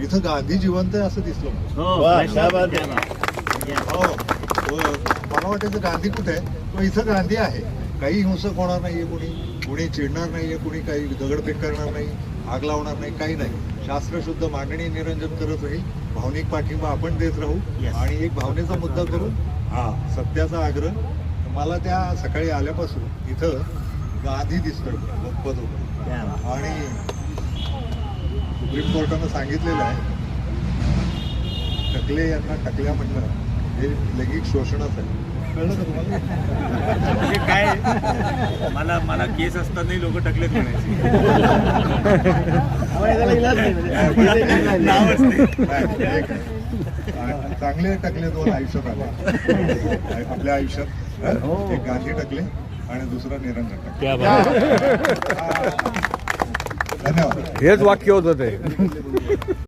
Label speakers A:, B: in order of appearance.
A: इथं गांधी जिवंत आहे असं दिसलं मला वाटायचं गांधी कुठे आहे, तो इथं गांधी आहे. काही हिंसक होणार नाहीये, कुणी चिडणार नाहीये, कुणी काही दगडफेक करणार नाही, आग लावणार नाही, काही नाही. शास्त्रशुद्ध मांडणी निरंजन करत राहील. भावनिक पाठिंबा आपण देत राहू आणि एक भावनेचा मुद्दा करून सत्याचा आग्रह. मला त्या सकाळी आल्यापासून इथं गांधी दिसतोय पद आणि सुप्रीम कोर्टानं सांगितलेलं आहे टकले यांना टकल्या म्हटलं हे लैंगिक शोषणच आहे. कळलं का तुम्हाला?
B: म्हणजे काय मला केस असतानाही लोक टकलेत म्हणायचे.
A: चांगले टकले दोन आयुष्यात आले आपल्या आयुष्यात. एक गांधी टकले आणि दुसरा निरंजन टकले. धन्यवाद.
C: हेच वाक्य होतं ते.